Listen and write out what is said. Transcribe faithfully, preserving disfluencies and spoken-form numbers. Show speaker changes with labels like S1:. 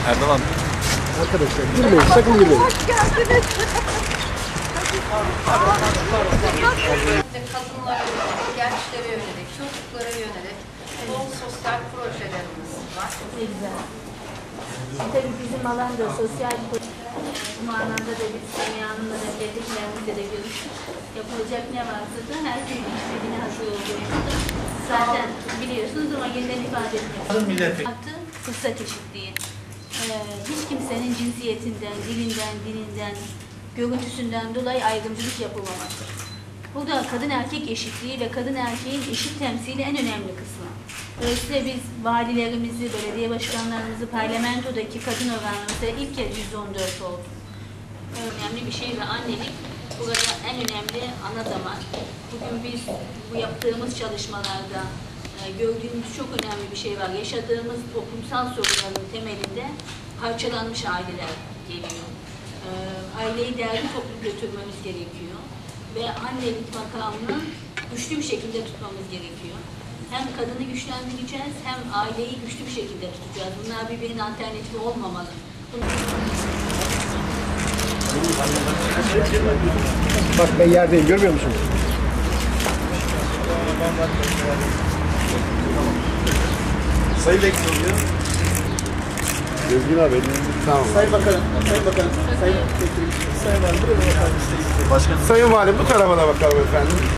S1: Erdoğan.
S2: Arkadaşlar girmeyin, sakın girmeyin.
S3: Hoş geldiniz. Kadınlara yönelik, gençlere yönelik, çocuklara yönelik bol sosyal projelerimiz var.
S4: Ne güzel. Tabii bizim alanda sosyal bu manada da biz Semiha Hanım'la da geldiklerimizde de görüştük. Yapılacak ne varsa da her şeyin işlediğine hazır olduğumuzda zaten biliyorsunuz ama yeniden ifade etmek. Artı fırsat eşitliği. Ee, hiç kimsenin cinsiyetinden, dilinden, dininden, görüntüsünden dolayı ayrımcılık yapılmaması. Burada kadın erkek eşitliği ve kadın erkeğin eşit temsili en önemli kısmı. Dolayısıyla biz valilerimizi, belediye başkanlarımızı, parlamentodaki kadın oranımızda ilk kez yüzde on dört oldu. Önemli bir şey ve annelik burada en önemli ana damar. Bugün biz bu yaptığımız çalışmalarda e, gördüğümüz çok önemli bir şey var. Yaşadığımız toplumsal sorunların temelinde parçalanmış aileler geliyor. E, aileyi değerli toplu götürmemiz gerekiyor. Ve annelik makamını güçlü bir şekilde tutmamız gerekiyor. Hem kadını güçlendireceğiz, hem aileyi güçlü bir şekilde tutacağız. Bunlar birbirinin alternatifi olmamalı.
S2: Bak ben yerdeyim, görmüyor musun?
S1: Sayın Bekir oluyor.
S2: Özgün abi, tamam.
S5: Sayın Bakanım, Sayın Bakanım, Sayın Sayın Valim, buraya bakar mısınız?
S1: Başkanım.
S2: Sayın Valim bu tarafa da bakalım efendim.